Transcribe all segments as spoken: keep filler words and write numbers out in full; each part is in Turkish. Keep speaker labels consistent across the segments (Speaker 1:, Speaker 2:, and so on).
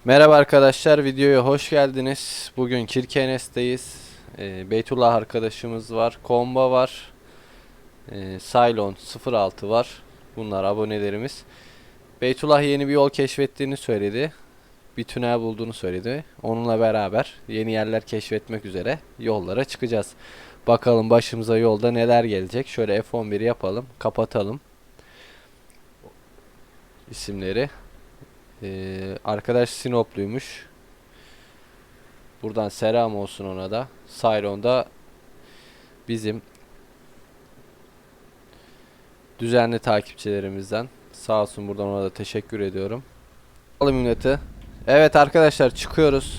Speaker 1: Merhaba arkadaşlar, videoya hoş geldiniz. Bugün Kirkenes'teyiz. Ee, Beytullah arkadaşımız var, Komba var, ee, Cylon sıfır altı var. Bunlar abonelerimiz. Beytullah yeni bir yol keşfettiğini söyledi. Bir tünel bulduğunu söyledi. Onunla beraber yeni yerler keşfetmek üzere yollara çıkacağız. Bakalım başımıza yolda neler gelecek. Şöyle F on bir yapalım, kapatalım isimleri. Ee, arkadaş Sinopluymuş. Buradan selam olsun ona da. Cylon'da bizim düzenli takipçilerimizden. Sağ olsun, buradan ona da teşekkür ediyorum. Alalım milleti. Evet arkadaşlar, çıkıyoruz.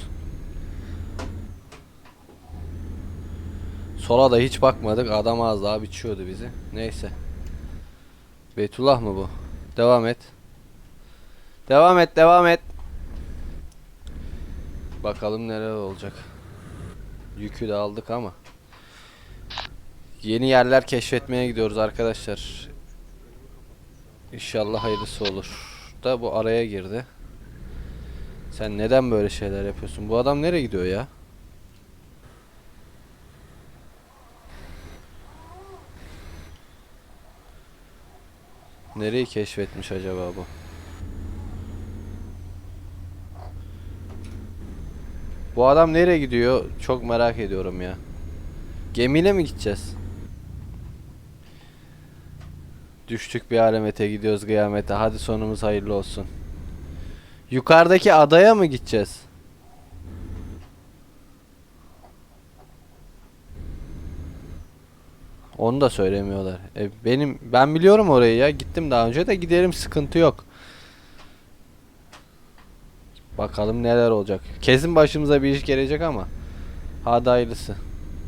Speaker 1: Sola da hiç bakmadık. Adam az daha biçiyordu bizi. Neyse. Beytullah mı bu? Devam et. Devam et, devam et. Bakalım neler olacak. Yükü de aldık ama. Yeni yerler keşfetmeye gidiyoruz arkadaşlar. İnşallah hayırlısı olur. Da bu araya girdi. Sen neden böyle şeyler yapıyorsun? Bu adam nereye gidiyor ya? Nereyi keşfetmiş acaba bu? Bu adam nereye gidiyor? Çok merak ediyorum ya. Gemiyle mi gideceğiz? Düştük bir alemete, gidiyoruz kıyamete. Hadi sonumuz hayırlı olsun. Yukarıdaki adaya mı gideceğiz? Onu da söylemiyorlar. E, benim ben biliyorum orayı ya. Gittim daha önce de, giderim, sıkıntı yok. Bakalım neler olacak. Kesin başımıza bir iş gelecek ama. Hadi hayırlısı.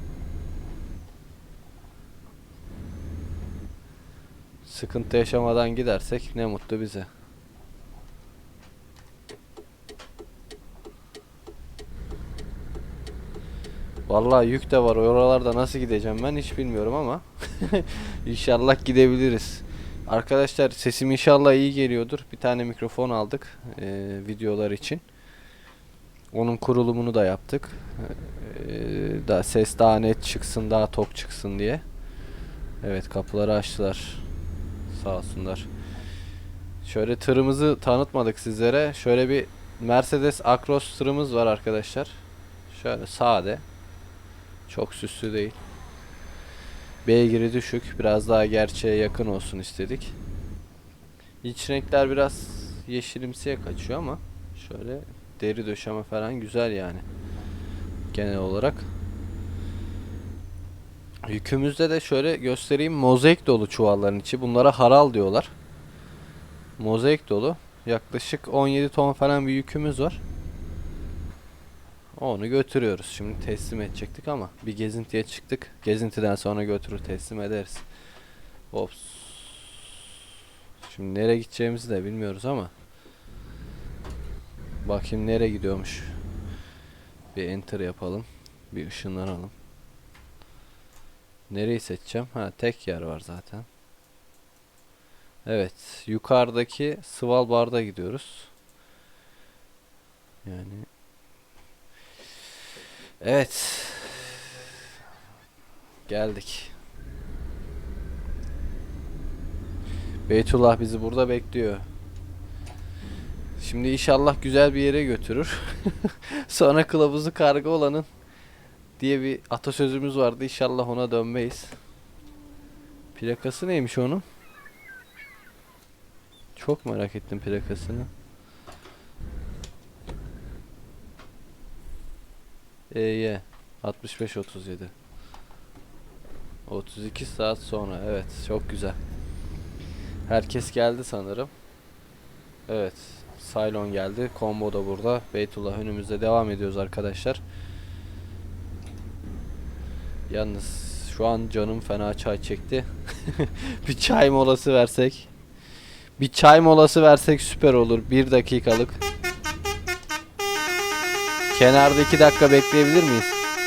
Speaker 1: Sıkıntı yaşamadan gidersek ne mutlu bize. Vallahi yük de var. Oralarda nasıl gideceğim ben hiç bilmiyorum ama İnşallah gidebiliriz. Arkadaşlar, sesim inşallah iyi geliyordur. Bir tane mikrofon aldık e, videolar için. Onun kurulumunu da yaptık. E, da ses daha net çıksın, daha tok çıksın diye. Evet, kapıları açtılar. Sağ olsunlar. Şöyle tırımızı tanıtmadık sizlere. Şöyle bir Mercedes Actros tırımız var arkadaşlar. Şöyle sade. Çok süslü değil. Beygiri düşük. Biraz daha gerçeğe yakın olsun istedik. İç renkler biraz yeşilimsiye kaçıyor ama şöyle deri döşeme falan güzel yani. Genel olarak. Yükümüzde de şöyle göstereyim. Mozaik dolu çuvalların içi. Bunlara haral diyorlar. Mozaik dolu. Yaklaşık on yedi ton falan bir yükümüz var. Onu götürüyoruz. Şimdi teslim edecektik ama bir gezintiye çıktık. Gezintiden sonra götürür teslim ederiz. Ops. Şimdi nereye gideceğimizi de bilmiyoruz ama. Bakayım nereye gidiyormuş. Bir enter yapalım. Bir ışınlanalım. Nereyi seçeceğim? Ha, tek yer var zaten. Evet. Yukarıdaki Svalbard'a gidiyoruz. Yani. Evet. Geldik. Beytullah bizi burada bekliyor. Şimdi inşallah güzel bir yere götürür. Sonra kılavuzu karga olanın diye bir atasözümüz vardı. İnşallah ona dönmeyiz. Plakası neymiş onun? Çok merak ettim plakasını. E Y altmış beş otuz yedi. otuz iki saat sonra. Evet, çok güzel. Herkes geldi sanırım. Evet. Cylon geldi. Combo da burada. Beytullah önümüzde, devam ediyoruz arkadaşlar. Yalnız şu an canım fena çay çekti. Bir çay molası versek. Bir çay molası versek süper olur. Bir dakikalık. Kenarda iki dakika bekleyebilir miyiz?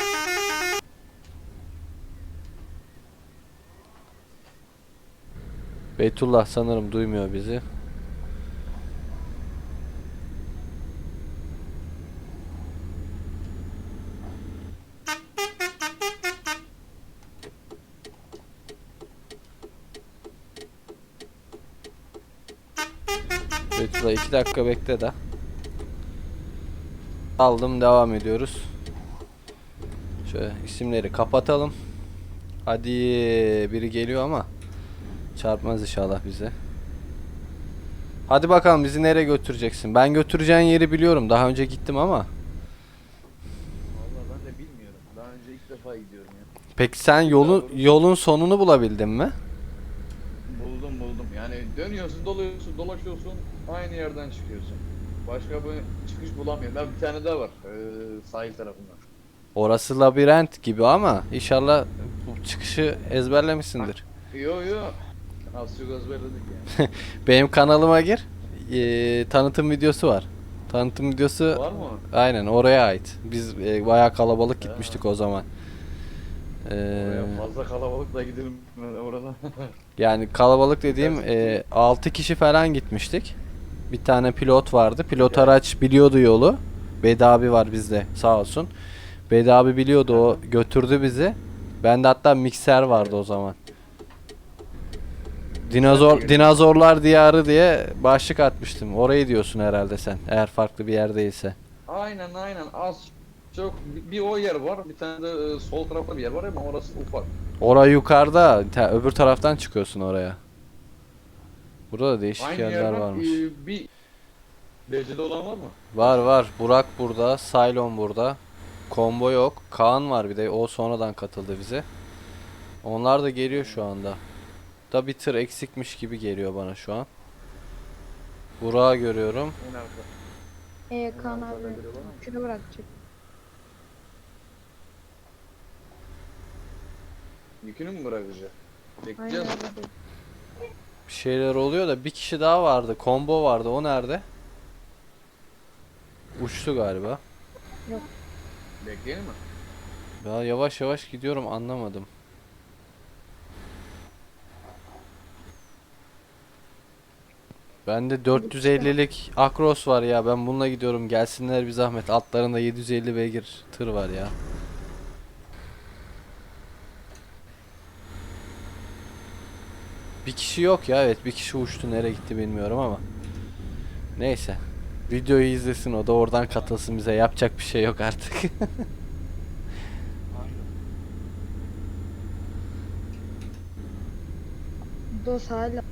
Speaker 1: Beytullah sanırım duymuyor bizi. Beytullah iki dakika bekle de. Aldım, devam ediyoruz. Şöyle isimleri kapatalım. Hadi, biri geliyor ama çarpmaz inşallah bize. Hadi bakalım, bizi nereye götüreceksin? Ben götüreceğin yeri biliyorum. Daha önce gittim ama.
Speaker 2: Vallahi ben de bilmiyorum. Daha önce ilk defa gidiyorum ya.
Speaker 1: Peki sen yolun yolun sonunu bulabildin mi?
Speaker 2: Buldum buldum. Yani dönüyorsun, doluyorsun, dolaşıyorsun, aynı yerden çıkıyorsun. Başka bir çıkış bulamıyorum. Ben bir tane daha var. Ee, sahil tarafında.
Speaker 1: Orası labirent gibi ama inşallah bu çıkışı ezberlemişsindir.
Speaker 2: Yo yo. Az çok ezberledik yani.
Speaker 1: Benim kanalıma gir. Ee, tanıtım videosu var. Tanıtım videosu
Speaker 2: Var mı?
Speaker 1: aynen oraya ait. Biz e, bayağı kalabalık gitmiştik o zaman. Ee,
Speaker 2: Oraya fazla kalabalıkla gidelim orada.
Speaker 1: yani kalabalık dediğim
Speaker 2: Biraz-
Speaker 1: e, altı kişi falan gitmiştik. Bir tane pilot vardı. Pilot
Speaker 2: Yani.
Speaker 1: araç biliyordu yolu. Bedi abi var bizde sağ olsun. Bedi abi biliyordu, o götürdü bizi. Bende hatta mikser vardı o zaman. Dinozor
Speaker 2: Mikser
Speaker 1: dinozorlar diyarı diye başlık atmıştım. Orayı diyorsun herhalde sen. Eğer farklı bir yer değilse.
Speaker 2: Aynen aynen. Az çok bir, bir o yer var. Bir tane de e, sol tarafta bir yer var ama orası ufak.
Speaker 1: Oraya yukarıda, te- öbür taraftan çıkıyorsun oraya. Burada da değişik
Speaker 2: Aynı
Speaker 1: yerler
Speaker 2: yerden
Speaker 1: varmış.
Speaker 2: e, bir derecede olan var mı?
Speaker 1: Var var. Burak burada, Saylon burada. Combo yok. Kaan var bir de. O sonradan katıldı bize. Onlar da geliyor şu anda. Da bir tır eksikmiş gibi geliyor bana şu an. Burak'ı görüyorum.
Speaker 2: En arka.
Speaker 3: Ee, Kaan
Speaker 2: Onlar
Speaker 3: abi
Speaker 2: da görüyorlar ama.
Speaker 3: şunu bırakacak.
Speaker 2: Yükünü mü bırakacak?
Speaker 3: Aynen
Speaker 2: Bekleyeceğiz.
Speaker 3: öyle dedi.
Speaker 1: Bir şeyler oluyor da bir kişi daha vardı. Combo vardı. O nerede? Uçtu galiba.
Speaker 2: Bekleyelim mi?
Speaker 1: Ya yavaş yavaş gidiyorum, anlamadım. Bende dört yüz ellilik Akros var ya, ben bununla gidiyorum, gelsinler bir zahmet. Altlarında yedi yüz elli beygir tır var ya. Bir kişi yok ya, evet bir kişi uçtu, nereye gitti bilmiyorum ama. Neyse. Videoyu izlesin, o da oradan katılsın bize, yapacak bir şey yok artık.
Speaker 3: Dos hala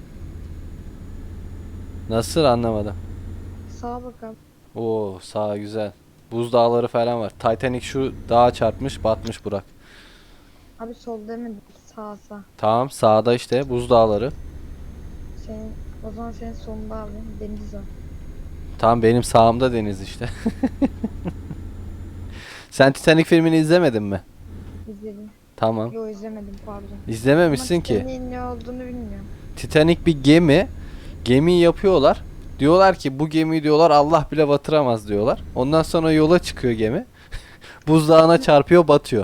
Speaker 1: Nasıl, anlamadım.
Speaker 3: sağa bakalım.
Speaker 1: Oo, sağ güzel. Buz dağları falan var. Titanic şu dağa çarpmış, batmış Burak.
Speaker 3: Abi sol demedik, sağ sağ.
Speaker 1: Tamam, sağda işte buz dağları.
Speaker 3: Senin, o zaman senin solunda abi deniz var.
Speaker 1: Tamam, benim sağımda deniz işte. Sen Titanic filmini izlemedin mi?
Speaker 3: İzledim.
Speaker 1: Tamam.
Speaker 3: Yo izlemedim pardon.
Speaker 1: İzlememişsin
Speaker 3: Ama
Speaker 1: ki.
Speaker 3: Titanic'in ne olduğunu bilmiyorum.
Speaker 1: Titanic bir gemi. Gemiyi yapıyorlar. Diyorlar ki bu gemiyi diyorlar Allah bile batıramaz diyorlar. Ondan sonra yola çıkıyor gemi. Buzdağına çarpıyor, batıyor.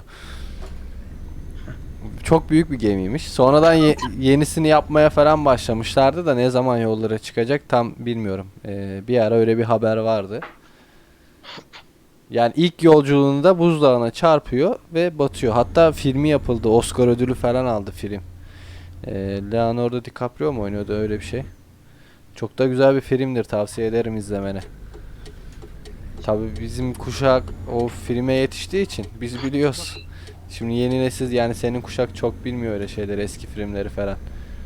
Speaker 1: Çok büyük bir gemiymiş. Sonradan ye- yenisini yapmaya falan başlamışlardı da ne zaman yollara çıkacak tam bilmiyorum. Ee, bir ara öyle bir haber vardı. Yani ilk yolculuğunda buzdağına çarpıyor ve batıyor. Hatta filmi yapıldı. Oscar ödülü falan aldı film. Ee, Leonardo DiCaprio mu oynuyordu, öyle bir şey. Çok da güzel bir filmdir. Tavsiye ederim izlemeni. Tabii bizim kuşak o filme yetiştiği için biz biliyoruz. Şimdi yeni nesil, yani senin kuşak çok bilmiyor öyle şeyleri, eski filmleri falan.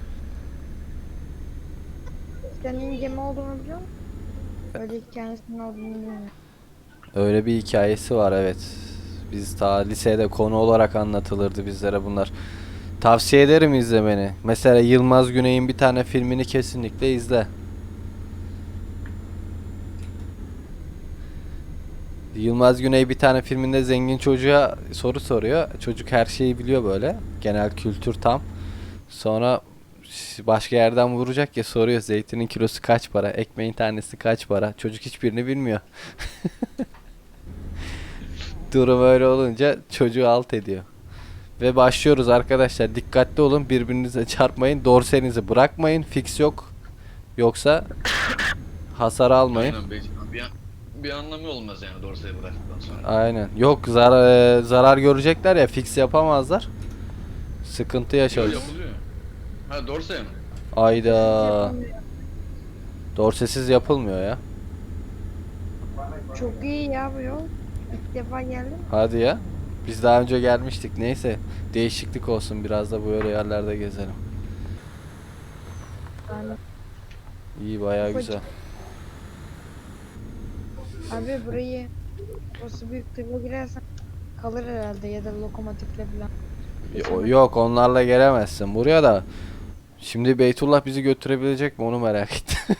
Speaker 3: Titanic'in gemi olduğunu biliyor musun? Öyle hikayesinin olduğunu bilmiyorum.
Speaker 1: Öyle bir hikayesi var, evet. Biz ta lisede konu olarak anlatılırdı bizlere bunlar. Tavsiye ederim izlemeni. Mesela Yılmaz Güney'in bir tane filmini kesinlikle izle. Yılmaz Güney bir tane filminde zengin çocuğa soru soruyor. Çocuk her şeyi biliyor böyle. Genel kültür tam. Sonra ş- başka yerden vuracak ya, soruyor zeytinin kilosu kaç para, ekmeğin tanesi kaç para. Çocuk hiçbirini bilmiyor. Durum öyle olunca çocuğu alt ediyor. Ve başlıyoruz arkadaşlar. Dikkatli olun, birbirinize çarpmayın. Dorsenizi bırakmayın. Fix yok. Yoksa hasar almayın.
Speaker 2: Aynen, bir, bir, bir anlamı olmaz yani dorsayı bıraktıktan sonra.
Speaker 1: Aynen. Yok, zarar zarar görecekler ya, fix yapamazlar. Sıkıntı
Speaker 2: Yo,
Speaker 1: yaşarız.
Speaker 2: yapılıyor. Ha dorsaya mı?
Speaker 1: Ayda.
Speaker 3: Yapamıyor.
Speaker 1: Dorsesiz yapılmıyor ya.
Speaker 3: Çok iyi ya bu yol. İlk defa geldim.
Speaker 1: Hadi ya. Biz daha önce gelmiştik. Neyse. Değişiklik olsun. Biraz da böyle yerlerde gezelim.
Speaker 3: Yani,
Speaker 1: İyi, bayağı
Speaker 3: Ufacık.
Speaker 1: güzel.
Speaker 3: abi burayı burası büyük tırla girersen kalır herhalde ya da lokomotifle falan.
Speaker 1: Yo- Yok, onlarla gelemezsin. Buraya da şimdi Beytullah bizi götürebilecek mi onu merak ettim.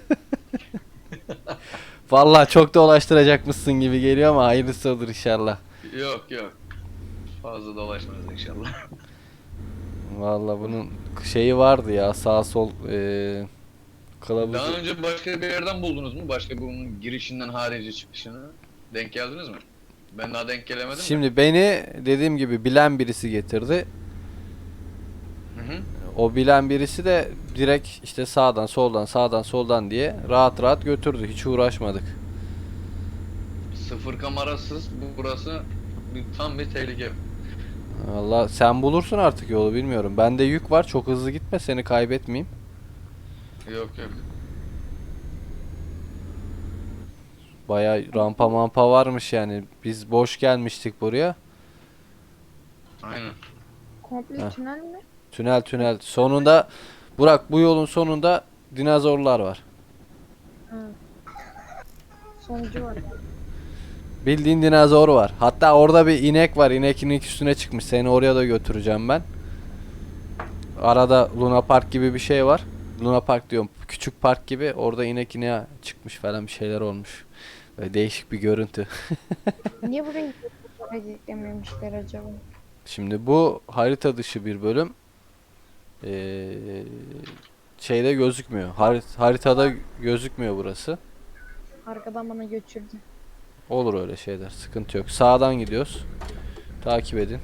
Speaker 1: Vallahi çok dolaştıracakmışsın gibi geliyor ama hayırlısı olur inşallah.
Speaker 2: Yok yok. Fazla dolaşmaz inşallah.
Speaker 1: Vallahi bunun şeyi vardı ya, sağ sol eee kılavuzu.
Speaker 2: Daha önce başka bir yerden buldunuz mu? Başka bunun girişinden harici çıkışını denk geldiniz mi? Ben daha denk gelemedim de.
Speaker 1: Şimdi beni dediğim gibi bilen birisi getirdi.
Speaker 2: Hı hı.
Speaker 1: O bilen birisi de direkt işte sağdan soldan sağdan soldan diye rahat rahat götürdü. Hiç uğraşmadık.
Speaker 2: Sıfır kamerasız burası bir, tam bir tehlike.
Speaker 1: Valla sen bulursun artık yolu, bilmiyorum. Bende yük var, çok hızlı gitme, seni kaybetmeyeyim.
Speaker 2: Yok yok.
Speaker 1: Baya rampa mampa varmış yani. Biz boş gelmiştik buraya.
Speaker 2: Aynen.
Speaker 3: Komple
Speaker 1: Heh.
Speaker 3: tünel mi?
Speaker 1: Tünel tünel. Sonunda Burak, bu yolun sonunda dinozorlar var.
Speaker 3: Ha. Sonucu var.
Speaker 1: Bildiğin dinozor var. Hatta orada bir inek var. İnek inek üstüne çıkmış. Seni oraya da götüreceğim ben. Arada Luna Park gibi bir şey var. Luna Park diyorum. Küçük park gibi. Orada inek ineğe çıkmış falan, bir şeyler olmuş. Böyle değişik bir görüntü.
Speaker 3: Niye burayı editlememişler acaba?
Speaker 1: Şimdi bu harita dışı bir bölüm. Ee, şeyde gözükmüyor. Harit- haritada gözükmüyor burası.
Speaker 3: Arkadan bana götürdü.
Speaker 1: Olur öyle şeyler. Sıkıntı yok. Sağdan gidiyoruz. Takip edin.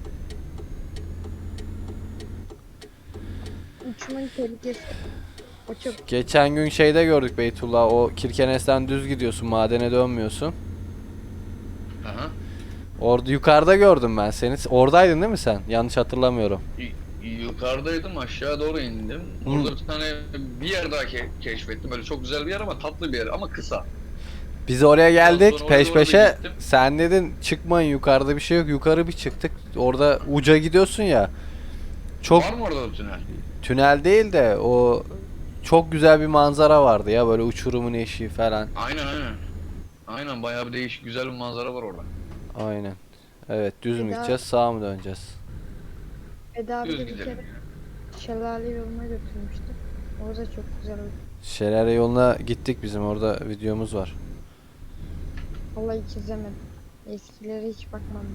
Speaker 3: Uçmanın tehlikesi. O çok
Speaker 1: Geçen gün şeyde gördük Beytullah. O Kirkenes'ten düz gidiyorsun. Madene dönmüyorsun.
Speaker 2: Aha.
Speaker 1: Orada yukarıda gördüm ben seni. Oradaydın değil mi sen? Yanlış hatırlamıyorum.
Speaker 2: Y- yukarıdaydım, aşağı doğru indim.
Speaker 1: Hı.
Speaker 2: Orada bir tane bir yer daha ke- keşfettim. Böyle çok güzel bir yer ama tatlı bir yer ama kısa.
Speaker 1: Biz oraya geldik
Speaker 2: Ondan
Speaker 1: peş
Speaker 2: oraya doğru
Speaker 1: peşe.
Speaker 2: gittim.
Speaker 1: Sen dedin çıkmayın, yukarıda bir şey yok. Yukarı bir çıktık. Orada uca gidiyorsun ya. Çok
Speaker 2: Var mı orada da tünel?
Speaker 1: tünel değil de o çok güzel bir manzara vardı ya, böyle uçurumun eşiği falan.
Speaker 2: Aynen aynen. Aynen, bayağı bir değişik güzel bir manzara var orada.
Speaker 1: Aynen. Evet, düz mü
Speaker 3: Bir daha-
Speaker 1: gideceğiz, sağa mı döneceğiz?
Speaker 3: Eda abi
Speaker 2: Düz
Speaker 3: de bir
Speaker 2: gidelim.
Speaker 3: kere şelale yoluna götürmüştü. Orada çok güzel.
Speaker 1: Şelale yoluna gittik, bizim orada videomuz var.
Speaker 3: Vallahi hiç izlemedim. Eskilere hiç bakmadım.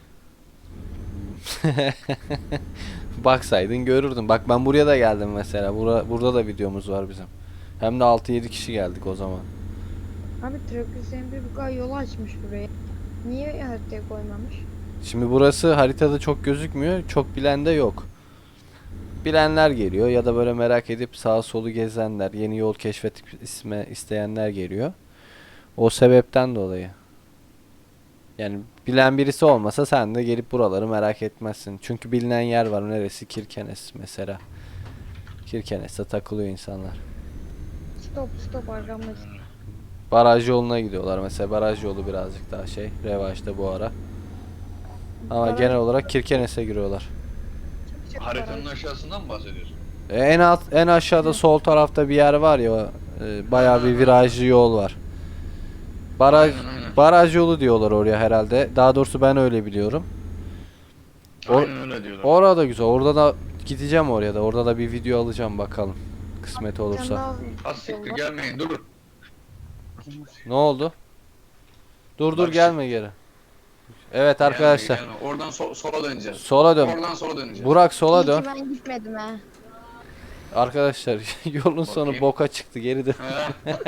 Speaker 1: Baksaydın görürdün. Bak ben buraya da geldim mesela. Bura, burada da videomuz var bizim. Hem de altı yedi kişi geldik o zaman.
Speaker 3: Abi Trakus Emre bu kadar yolu açmış buraya. Niye haritaya koymamış?
Speaker 1: Şimdi burası haritada çok gözükmüyor. Çok bilen de yok. Bilenler geliyor ya da böyle merak edip sağa solu gezenler, yeni yol keşfetip isme isteyenler geliyor. O sebepten dolayı. Yani bilen birisi olmasa sen de gelip buraları merak etmezsin. Çünkü bilinen yer var. Neresi? Kirkenes mesela. Kirkenes'te takılıyor insanlar.
Speaker 3: Stop stop arkamda.
Speaker 1: Baraj yoluna gidiyorlar mesela. Baraj yolu birazcık daha şey, revaçta bu ara. Ama
Speaker 3: Baraj-
Speaker 1: genel olarak Kirkenes'e giriyorlar.
Speaker 3: Çık çık
Speaker 2: Haritanın
Speaker 3: baraj.
Speaker 2: aşağısından mı bahsediyorsun?
Speaker 1: E, en alt, en aşağıda sol tarafta bir yer var ya. E, bayağı bir virajlı yol var. Baraj
Speaker 2: Aynen, aynen.
Speaker 1: baraj yolu diyorlar oraya herhalde. Daha doğrusu ben öyle biliyorum. O-
Speaker 2: Aynen öyle diyorlar.
Speaker 1: Orada güzel. Orada da gideceğim oraya da. Orada da bir video alacağım bakalım. Kısmet
Speaker 3: Bir tane
Speaker 1: olursa.
Speaker 3: daha
Speaker 2: Az siktir
Speaker 3: yol var.
Speaker 2: gelmeyin, dur.
Speaker 1: Ne oldu? Dur dur
Speaker 2: Bak
Speaker 1: gelme geri. Evet arkadaşlar.
Speaker 2: Gelme, gelme. Oradan so- sola döneceğiz.
Speaker 1: Sola dön.
Speaker 2: Oradan sola döneceğiz.
Speaker 1: Burak sola
Speaker 3: İyi
Speaker 1: dön.
Speaker 3: ki ben gitmedim ha.
Speaker 1: Arkadaşlar yolun sonu
Speaker 2: Bakayım.
Speaker 1: boka çıktı. Geri dön.
Speaker 2: Ha,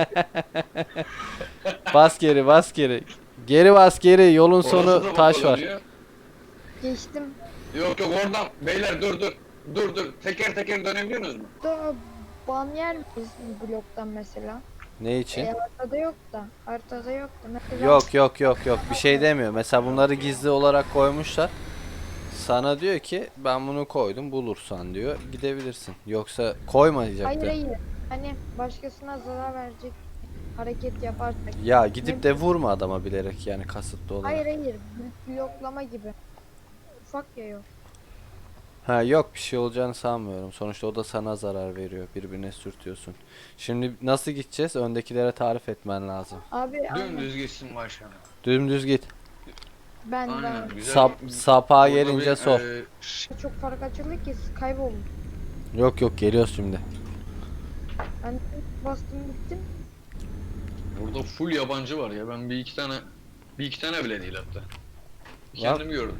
Speaker 1: Bas geri, bas geri. Geri bas geri. Yolun
Speaker 2: orası
Speaker 1: sonu
Speaker 2: da
Speaker 1: taş
Speaker 2: sola
Speaker 1: var.
Speaker 2: dönüyor.
Speaker 3: Geçtim.
Speaker 2: Yok yok, oradan. Beyler dur dur. Dur dur. Teker teker dönebiliyorsunuz mu?
Speaker 3: Da ban yer miyiz bu bloktan mesela?
Speaker 1: Ne için?
Speaker 3: E, haritada yok da. Haritada yok da. Mesela
Speaker 1: Yok yok yok yok. Bir şey demiyor. Mesela bunları gizli olarak koymuşlar. Sana diyor ki ben bunu koydum, bulursan diyor. Gidebilirsin. Yoksa koymayacaktı.
Speaker 3: Hayır hayır. Hani başkasına zarar verecek hareket yaparsak.
Speaker 1: Ya gidip
Speaker 3: Ne-
Speaker 1: de vurma adama bilerek yani kasıtlı olarak.
Speaker 3: Hayır hayır. bl- Bloklama gibi. Ufak ya yok.
Speaker 1: Ha yok bir şey olacağını sanmıyorum. Sonuçta o da sana zarar veriyor. Birbirine sürtüyorsun. Şimdi nasıl gideceğiz? Öndekilere tarif etmen lazım.
Speaker 3: Abi aynen.
Speaker 2: Dümdüz gitsin başkanım.
Speaker 1: Dümdüz git.
Speaker 3: Ben
Speaker 2: Aynen.
Speaker 3: ben
Speaker 2: Güzel.
Speaker 1: Sap, sapağa
Speaker 2: Orada
Speaker 1: gelince
Speaker 2: bir,
Speaker 1: sol.
Speaker 2: e,
Speaker 3: çok fark açıldı ki kayboldum.
Speaker 1: Yok yok geliyoruz şimdi.
Speaker 3: Ben bastım gittim.
Speaker 2: Burada full yabancı var ya. Ben bir iki tane bir iki tane bile değil hatta. Kendim gördüm.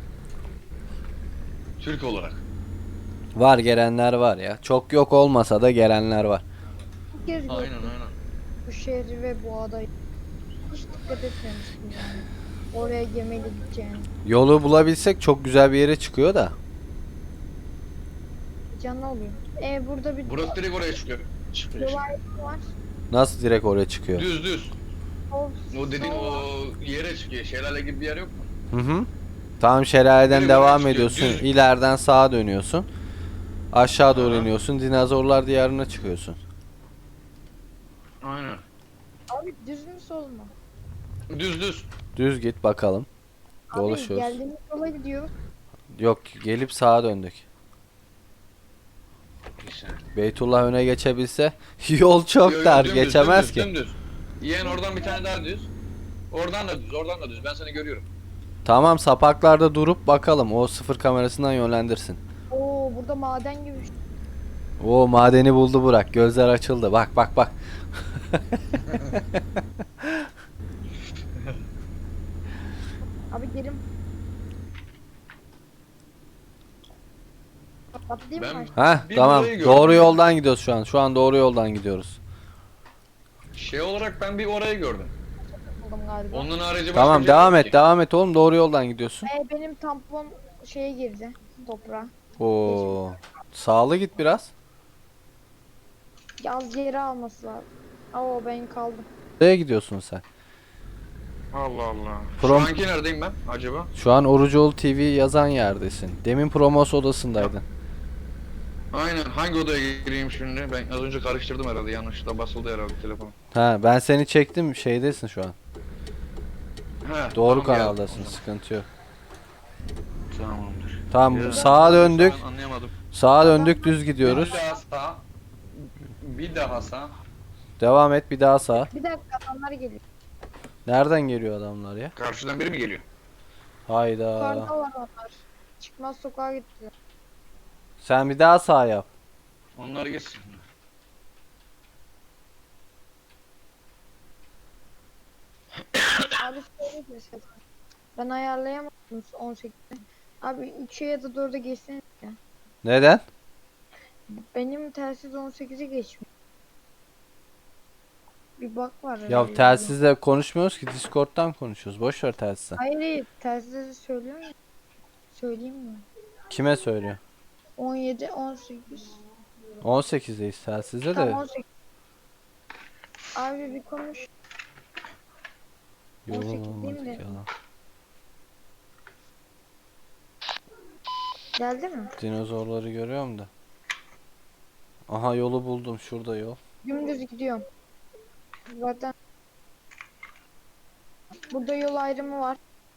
Speaker 2: Türk olarak.
Speaker 1: Var gelenler var ya. Çok yok olmasa da gelenler var.
Speaker 3: Bir kez
Speaker 2: Aynen
Speaker 3: gördüm
Speaker 2: aynen.
Speaker 3: bu şehri ve bu adayı. Hiç dikkat etmemiştim yani. Oraya gemiyle gideceğini.
Speaker 1: Yolu bulabilsek çok güzel bir yere çıkıyor da.
Speaker 3: Canlı oluyor. E burada bir
Speaker 2: Burası direkt oraya çıkıyor. Çıkıyor.
Speaker 3: yol ayrımı var.
Speaker 1: Nasıl direkt oraya çıkıyor?
Speaker 2: Düz düz.
Speaker 3: Sol,
Speaker 2: O dediğin
Speaker 3: sol
Speaker 2: o
Speaker 3: var.
Speaker 2: yere çıkıyor. Şelale gibi bir yer yok mu?
Speaker 1: Hı hı. Tamam şelaleden
Speaker 2: Direkt
Speaker 1: devam
Speaker 2: oraya çıkıyor,
Speaker 1: ediyorsun.
Speaker 2: düz.
Speaker 1: İleriden sağa dönüyorsun. Aşağı doğru
Speaker 2: Aha.
Speaker 1: iniyorsun. Dinozorlar diyarına çıkıyorsun.
Speaker 2: Aynen.
Speaker 3: Abi düz mü sol mu?
Speaker 2: Düz düz.
Speaker 1: Düz git bakalım.
Speaker 3: Abi
Speaker 1: Dolaşıyoruz.
Speaker 3: geldiğimiz yola gidiyor.
Speaker 1: Yok gelip sağa döndük.
Speaker 2: Güzel.
Speaker 1: Beytullah öne geçebilse yol çok
Speaker 2: Yo, yo,
Speaker 1: dar
Speaker 2: dümdüz,
Speaker 1: geçemez
Speaker 2: dümdüz,
Speaker 1: ki.
Speaker 2: Dümdüz. Yeğen oradan bir tane daha düz. Oradan da düz, oradan da düz. Ben seni görüyorum.
Speaker 1: Tamam sapaklarda durup bakalım o sıfır kamerasından yönlendirsin.
Speaker 3: Oo burada maden gibi bir şey.
Speaker 1: O madeni buldu Burak. Gözler açıldı. Bak bak bak.
Speaker 3: Abi gelin. Atlayayım
Speaker 2: Ben-
Speaker 3: mı?
Speaker 1: Heh
Speaker 2: Bir
Speaker 1: tamam.
Speaker 2: burayı gördüm
Speaker 1: Doğru
Speaker 2: ya.
Speaker 1: yoldan gidiyoruz şu an. Şu an doğru yoldan gidiyoruz.
Speaker 2: Şey olarak ben bir orayı gördüm.
Speaker 3: Buldum galiba.
Speaker 2: Onun harici başka
Speaker 1: Tamam
Speaker 2: bir şey
Speaker 1: devam
Speaker 2: yok
Speaker 1: et
Speaker 2: ki.
Speaker 1: devam et oğlum doğru yoldan gidiyorsun.
Speaker 3: E benim tampon şeye girdi. Toprağa.
Speaker 1: Oo. Sağlı git biraz.
Speaker 3: Yaz yeri alması lazım. Oo ben kaldım.
Speaker 1: Nereye gidiyorsun sen?
Speaker 2: Allah Allah.
Speaker 1: Prom-
Speaker 2: Şu anki neredeyim ben acaba?
Speaker 1: Şu an Orucoğlu T V yazan yerdesin. Demin promos odasındaydın.
Speaker 2: Aynen. Hangi odaya gireyim şimdi? Ben az önce karıştırdım herhalde. Yanlışlıkla basıldı herhalde telefon.
Speaker 1: Ha ben seni çektim şeydesin şu an.
Speaker 2: He,
Speaker 1: Doğru
Speaker 2: tamam,
Speaker 1: kanaldasın
Speaker 2: geldim.
Speaker 1: sıkıntı yok.
Speaker 2: Tamamdır.
Speaker 1: Tamam
Speaker 2: Ya,
Speaker 1: sağa döndük.
Speaker 2: ben Anlayamadım.
Speaker 1: Sağa döndük düz gidiyoruz.
Speaker 2: Bir daha sağ. Bir daha sağ.
Speaker 1: Devam et bir daha sağa.
Speaker 3: Bir dakika adamlar geliyor.
Speaker 1: Nereden geliyor adamlar ya?
Speaker 2: Karşıdan biri mi geliyor?
Speaker 1: Hayda.
Speaker 3: Yukarıda var onlar. Çıkmaz sokağa gittiler.
Speaker 1: Sen bir daha sağ yap.
Speaker 2: Onlar geçsin.
Speaker 3: Abi söyle de ses. Ben ayarlayamadım on sekizde. Abi üçe ya da dörde geçsene ya.
Speaker 1: Neden?
Speaker 3: Benim telsiz on sekize geçmiyor. Bir bak var.
Speaker 1: Ya
Speaker 3: herhalde.
Speaker 1: telsizle konuşmuyoruz ki Discord'dan konuşuyoruz. Boş ver telsizi.
Speaker 3: Hayır hayır telsizde söylüyor ya. Söyleyeyim mi?
Speaker 1: Kime söylüyor?
Speaker 3: on yedi on sekiz.
Speaker 1: on sekizdeyiz telsizde
Speaker 3: Tam
Speaker 1: de.
Speaker 3: on sekiz. Abi bir konuş. on
Speaker 1: Yolun
Speaker 3: sekiz değil
Speaker 1: olmadı
Speaker 3: mi?
Speaker 1: ki adam.
Speaker 3: Geldi mi?
Speaker 1: Dinozorları görüyorum da. Aha yolu buldum. Şurada yol.
Speaker 3: Dümdüz gidiyorum. Zaten burada yol ayrımı var.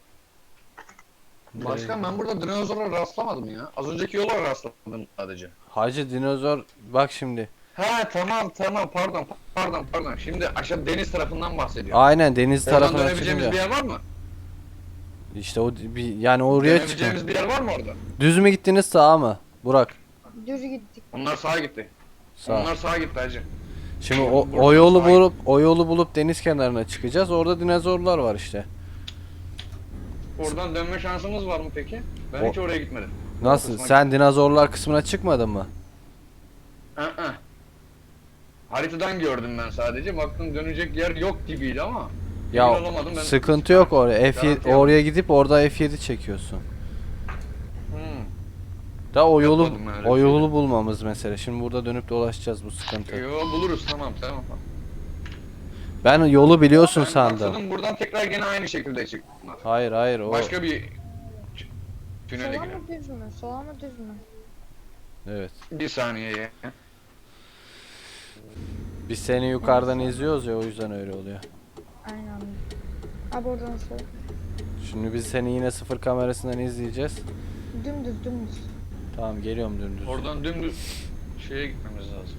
Speaker 2: Başkan ben burada dinozora rastlamadım ya. Az önceki yola rastladım sadece.
Speaker 1: Hacı dinozor bak şimdi.
Speaker 2: He tamam tamam pardon pardon pardon. Şimdi aşağı deniz tarafından bahsediyorum.
Speaker 1: Aynen deniz
Speaker 2: Oradan
Speaker 1: tarafına
Speaker 2: dönebileceğimiz
Speaker 1: çıkınca.
Speaker 2: bir yer var mı?
Speaker 1: İşte o bir yani oraya çıkın.
Speaker 2: Dönebileceğimiz bir yer var mı orada?
Speaker 1: Düz mü gittiniz sağa mı? Burak.
Speaker 3: Düz gittik.
Speaker 2: Onlar sağa gitti.
Speaker 1: Sağ.
Speaker 2: Onlar sağa gitti hacı.
Speaker 1: Şimdi
Speaker 2: Buradan-
Speaker 1: o,
Speaker 2: buradan
Speaker 1: o yolu
Speaker 2: sağa
Speaker 1: bulup o yolu bulup deniz kenarına çıkacağız. Orada dinozorlar var işte.
Speaker 2: Oradan dönme şansımız var mı peki? Ben
Speaker 1: O-
Speaker 2: hiç oraya gitmedim.
Speaker 1: Nasıl?
Speaker 2: kısma
Speaker 1: Sen dinozorlar kısmına çıkmadın mı?
Speaker 2: Hı hı. Haritadan gördüm ben sadece. Baktım dönecek yer yok gibiydi ama.
Speaker 1: Ya
Speaker 2: emin olamadım ben.
Speaker 1: sıkıntı yok oraya. F yedi,
Speaker 2: Garanti
Speaker 1: oraya gidip orada F yedi çekiyorsun.
Speaker 2: Hmm.
Speaker 1: Da o yolu
Speaker 2: Yapmadım öyle
Speaker 1: o
Speaker 2: bir şey.
Speaker 1: yolu bulmamız mesele. Şimdi burada dönüp dolaşacağız bu sıkıntı.
Speaker 2: Yo buluruz tamam tamam.
Speaker 1: Ben yolu biliyorsun
Speaker 2: Ben
Speaker 1: sandım.
Speaker 2: maksadım buradan tekrar gene aynı şekilde çıktılar.
Speaker 1: Hayır hayır o.
Speaker 2: Başka bir ç- tünele
Speaker 3: Sola
Speaker 2: girelim.
Speaker 3: mı düz mü? Sola mı düz mü?
Speaker 1: Evet.
Speaker 2: Bir saniye ya.
Speaker 1: Biz seni yukarıdan izliyoruz ya, o yüzden öyle oluyor.
Speaker 3: Aynen. Abi oradan sol.
Speaker 1: Şimdi biz seni yine sıfır kamerasından izleyeceğiz.
Speaker 3: Dümdüz dümdüz.
Speaker 1: Tamam, geliyorum dümdüz.
Speaker 2: Oradan dümdüz şeye gitmemiz lazım.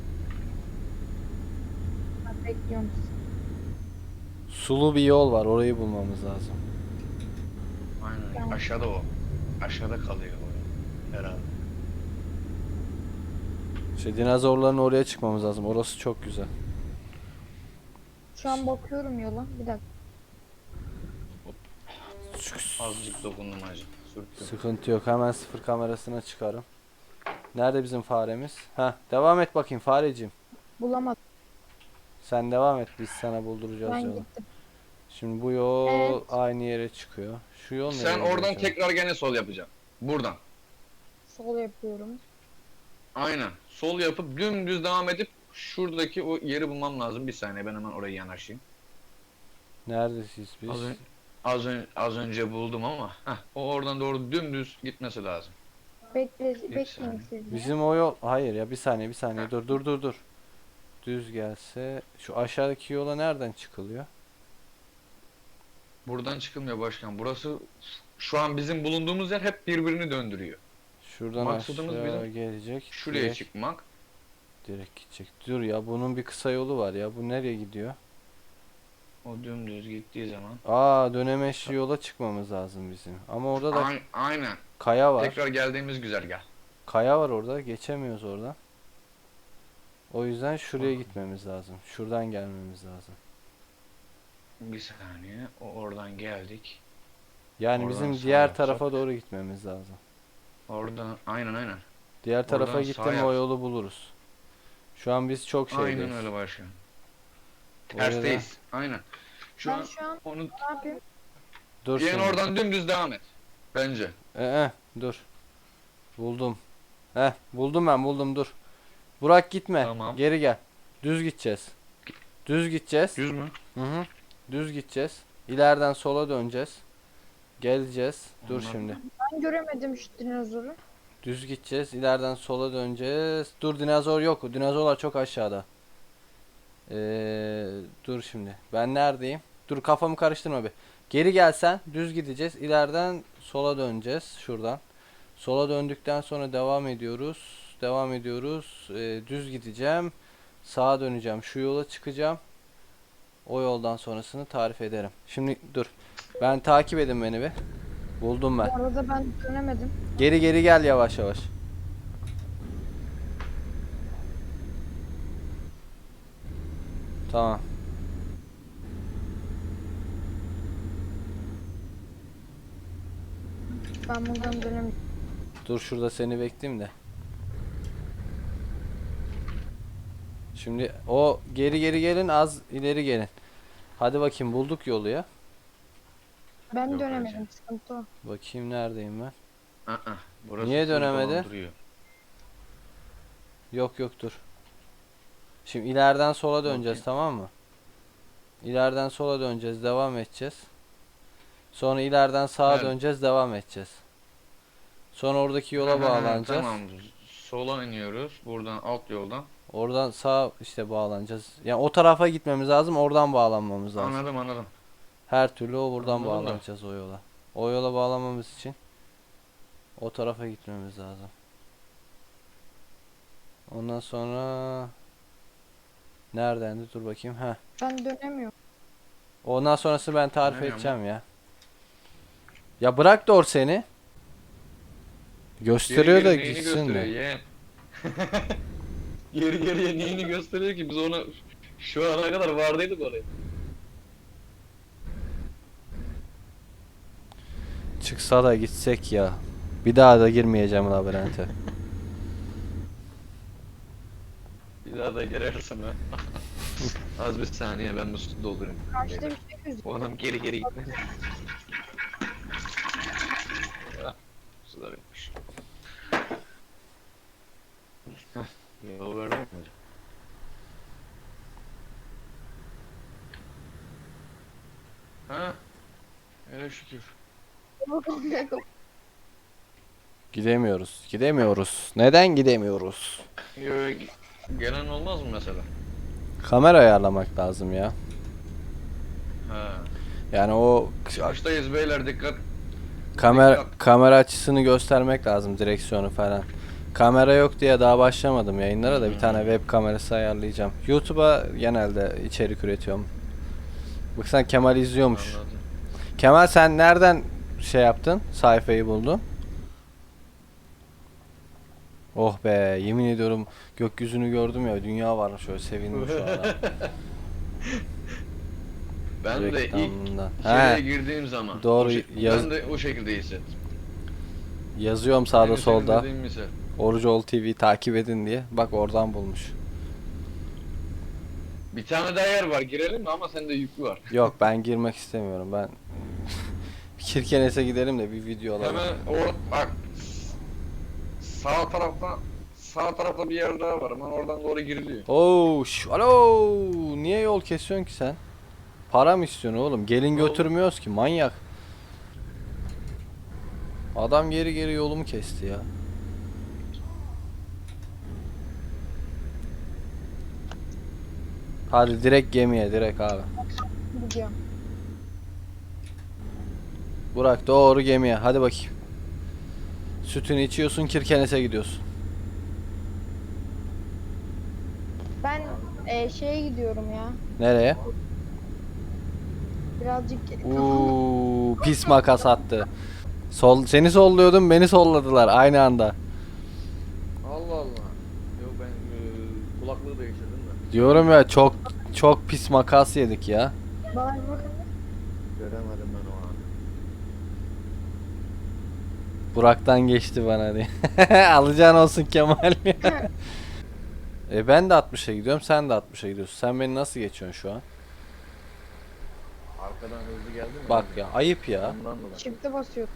Speaker 3: Ben bekliyorum.
Speaker 1: Sulu bir yol var, orayı bulmamız lazım.
Speaker 2: Aynen.
Speaker 3: Tamam.
Speaker 2: Aşağıda o. Aşağıda kalıyor o. Herhalde.
Speaker 1: İşte dinozorların oraya çıkmamız lazım. Orası çok güzel.
Speaker 3: Şu an bakıyorum yola. Bir dakika.
Speaker 2: Azıcık dokundum hacı. Sürttüm.
Speaker 1: Sıkıntı yok. Hemen sıfır kamerasına çıkarım. Nerede bizim faremiz? Ha, devam et bakayım fareciğim.
Speaker 3: Bulamadım.
Speaker 1: Sen devam et. Biz sana bulduracağız
Speaker 3: Ben
Speaker 1: yolu.
Speaker 3: gittim.
Speaker 1: Şimdi bu yol
Speaker 3: Evet.
Speaker 1: aynı yere çıkıyor. Şu yol nereye
Speaker 2: Sen
Speaker 1: gidiyor
Speaker 2: oradan
Speaker 1: acaba?
Speaker 2: tekrar gene sol yapacaksın. Buradan.
Speaker 3: Sol yapıyorum.
Speaker 2: Aynen. Sol yapıp dümdüz devam edip şuradaki o yeri bulmam lazım. Bir saniye ben hemen oraya yanaşayım.
Speaker 1: Neredesiz biz?
Speaker 2: Az, ön- az, ön- az önce buldum ama heh, o oradan doğru dümdüz gitmesi lazım.
Speaker 3: Bekle,
Speaker 2: saniye.
Speaker 3: bekleyin siz de.
Speaker 1: Bizim o yol... Hayır ya, bir saniye bir saniye. Dur dur dur dur. Düz gelse... Şu aşağıdaki yola nereden çıkılıyor?
Speaker 2: Buradan çıkılmıyor başkan. Burası şu an bizim bulunduğumuz yer hep birbirini döndürüyor.
Speaker 1: Şuradan
Speaker 2: Maksadımız
Speaker 1: aşağı
Speaker 2: bizim
Speaker 1: gelecek.
Speaker 2: Şuraya
Speaker 1: direkt,
Speaker 2: çıkmak.
Speaker 1: direkt gidecek. Dur ya, bunun bir kısa yolu var ya. Bu nereye gidiyor?
Speaker 2: O dümdüz gittiği zaman.
Speaker 1: Aa, dönemeçli yola çıkmamız lazım bizim. Ama orada da
Speaker 2: Ay- aynen.
Speaker 1: kaya var.
Speaker 2: Tekrar geldiğimiz güzergah.
Speaker 1: Kaya var orada. Geçemiyoruz oradan. O yüzden şuraya
Speaker 2: Aa.
Speaker 1: gitmemiz lazım. Şuradan gelmemiz lazım.
Speaker 2: Bir saniye. O oradan geldik.
Speaker 1: Yani
Speaker 2: Oradan
Speaker 1: bizim
Speaker 2: sağ
Speaker 1: diğer
Speaker 2: yapsak.
Speaker 1: tarafa doğru gitmemiz lazım.
Speaker 2: Oradan aynen aynen.
Speaker 1: Diğer tarafa
Speaker 2: Oradan
Speaker 1: gittim
Speaker 2: sağ
Speaker 1: o
Speaker 2: yap.
Speaker 1: yolu buluruz. Şu an biz çok şeydeyiz.
Speaker 2: Aynen öyle başkan.
Speaker 1: Oraya da-
Speaker 2: Tersteyiz. Aynen. Şu
Speaker 3: Ben
Speaker 2: an
Speaker 3: şu an
Speaker 2: onu
Speaker 3: ne yapayım?
Speaker 1: Dur
Speaker 2: yani
Speaker 1: şimdi.
Speaker 2: oradan dümdüz devam et. Bence.
Speaker 1: Ee, dur. Buldum. Heh, buldum ben buldum dur. Burak gitme.
Speaker 2: Tamam.
Speaker 1: Geri gel. Düz gideceğiz. Düz gideceğiz.
Speaker 2: Düz mü?
Speaker 1: Hı hı. Düz gideceğiz. İleriden sola döneceğiz. Geleceğiz. Dur
Speaker 2: Anladım.
Speaker 1: şimdi.
Speaker 3: Ben göremedim şu dinozoru.
Speaker 1: Düz gideceğiz. İleriden sola döneceğiz. Dur, dinozor yok. Dinozorlar çok aşağıda. Ee, dur şimdi. Ben neredeyim? Dur, kafamı karıştırma bir. Geri gelsen düz gideceğiz. İleriden sola döneceğiz. Şuradan. Sola döndükten sonra devam ediyoruz. Devam ediyoruz. Ee, düz gideceğim. Sağa döneceğim. Şu yola çıkacağım. O yoldan sonrasını tarif ederim. Şimdi dur. Ben takip edin beni bir. Buldum ben.
Speaker 3: Bu arada ben dönemedim.
Speaker 1: Geri geri gel yavaş yavaş. Tamam.
Speaker 3: Ben buradan dönemedim.
Speaker 1: Dur şurada seni bekleyeyim de. Şimdi o geri geri gelin, az ileri gelin. Hadi bakayım, bulduk yolu ya.
Speaker 3: Ben
Speaker 2: Yok
Speaker 3: dönemedim.
Speaker 2: hacı.
Speaker 3: Sıkıntı o.
Speaker 1: Bakayım neredeyim ben.
Speaker 2: Aa, burası
Speaker 1: Niye
Speaker 2: full
Speaker 1: dönemedi?
Speaker 2: dolandırıyor.
Speaker 1: Yok yok dur. Şimdi ileriden sola döneceğiz,
Speaker 2: Bakayım.
Speaker 1: tamam mı? İleriden sola döneceğiz, devam edeceğiz. Sonra ileriden sağa
Speaker 2: Evet.
Speaker 1: döneceğiz, devam edeceğiz. Sonra oradaki yola
Speaker 2: Ha, ha, ha,
Speaker 1: bağlanacağız.
Speaker 2: Tamam. Sola iniyoruz. Buradan alt yoldan.
Speaker 1: Oradan sağ işte bağlanacağız. Yani o tarafa gitmemiz lazım, oradan bağlanmamız lazım.
Speaker 2: Anladım anladım.
Speaker 1: Her türlü o buradan
Speaker 2: Anladım da.
Speaker 1: bağlanacağız o yola. O yola bağlanmamız için o tarafa gitmemiz lazım. Ondan sonra neredendi? Dur bakayım. Ha.
Speaker 3: Ben dönemiyorum.
Speaker 1: Ondan sonrası ben tarif
Speaker 2: Dönemiyor mu?
Speaker 1: edeceğim ya. Ya bırak da or seni. Gösteriyor
Speaker 2: Geri
Speaker 1: da
Speaker 2: geri neyini
Speaker 1: gitsin
Speaker 2: gösteriyor
Speaker 1: de.
Speaker 2: yeğen? Geri geriye neyini gösteriyor ki biz ona şu ana kadar vardıydık oraya.
Speaker 1: Çıksa da gitsek ya. Bir daha da girmeyeceğim labirente.
Speaker 2: Bir daha da girersin ha. Az bir saniye ben bu su doldurayım.
Speaker 3: Karşıda bir şey gözüküyor.
Speaker 2: O adam geri geri gitmedi. Ah, sular yokmuş. Hah, yol verdim mi hocam? Ha? Öyle şükür.
Speaker 3: Bakın ne kadar-
Speaker 1: Gidemiyoruz. Gidemiyoruz. Neden gidemiyoruz?
Speaker 2: Yo, gelen olmaz mı mesela?
Speaker 1: Kamera ayarlamak lazım ya.
Speaker 2: Ha.
Speaker 1: Yani o
Speaker 2: Çıkıştayız beyler, dikkat.
Speaker 1: kamera
Speaker 2: Dikkat.
Speaker 1: kamera açısını göstermek lazım, direksiyonu falan. Kamera yok diye daha başlamadım yayınlara da bir tane web kamerası ayarlayacağım. YouTube'a genelde içerik üretiyorum. Bak sen Kemal izliyormuş.
Speaker 2: Anladım.
Speaker 1: Kemal sen nereden şey yaptın? Sayfayı buldun. Oh be, yemin ediyorum gökyüzünü gördüm ya, dünya varmış, şöyle sevindim şu an.
Speaker 2: Ben de ilk
Speaker 1: Reklamından.
Speaker 2: içeriye
Speaker 1: He,
Speaker 2: girdiğim zaman
Speaker 1: doğru,
Speaker 2: o şey-
Speaker 1: yaz-
Speaker 2: ben de o şekilde hissettim.
Speaker 1: yazıyorum sağda
Speaker 2: Aynı senin
Speaker 1: solda.
Speaker 2: dediğin misal.
Speaker 1: Orucol T V takip edin diye. Bak oradan bulmuş.
Speaker 2: Bir tane daha yer var, girelim mi? Ama sende yüklü var.
Speaker 1: Yok, ben girmek istemiyorum. Ben Kirkenes'e gidelim de bir video alalım.
Speaker 2: Hemen or bak, sağ tarafta sağ tarafta bir yer daha var, ama oradan doğru giriliyor.
Speaker 1: Oo, şş, alo. Niye yol kesiyorsun ki sen? Para mı istiyorsun oğlum? Gelin
Speaker 2: Oğlum.
Speaker 1: götürmüyoruz ki, manyak. Adam geri geri yolumu kesti ya. Hadi direkt gemiye, direkt abi.
Speaker 3: Gidiyorum.
Speaker 1: Burak doğru gemiye, hadi bakayım. Sütünü içiyorsun, Kirkenes'e gidiyorsun.
Speaker 3: Ben e, şeye gidiyorum ya.
Speaker 1: Nereye?
Speaker 3: Birazcık
Speaker 1: Uuu, pis makas attı. Sol, seni solluyordum, beni solladılar aynı anda.
Speaker 2: Allah Allah. Yok, ben e, kulaklığı değiştirdim de.
Speaker 1: Diyorum ya, çok çok pis makas yedik ya.
Speaker 3: bana bir bakın.
Speaker 2: Göremedim ben o an.
Speaker 1: Burak'tan geçti bana diye. Alacağın olsun Kemal. E ben de altmışa gidiyorum, sen de altmışa gidiyorsun. Sen beni nasıl geçiyorsun şu an?
Speaker 2: Arkadan hızlı geldi mi?
Speaker 1: Bak ya, ayıp ya.
Speaker 2: Ondan dolayı.
Speaker 3: Çifte basıyorum.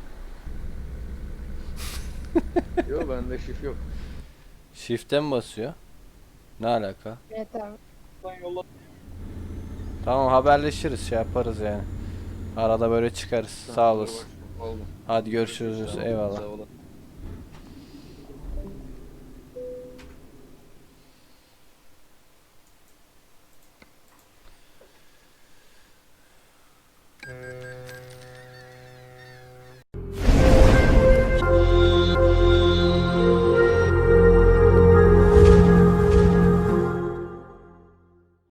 Speaker 2: Yok, bende şif yok.
Speaker 1: Shift'e mi basıyor? Ne alaka?
Speaker 3: Evet abi.
Speaker 2: Ben yolla.
Speaker 1: Tamam, haberleşiriz, şey yaparız yani. Arada böyle çıkarız. Sağ olasın.
Speaker 2: Oldu.
Speaker 1: Hadi görüşürüz.
Speaker 2: Sağ ol,
Speaker 1: Eyvallah.
Speaker 2: sağ ol.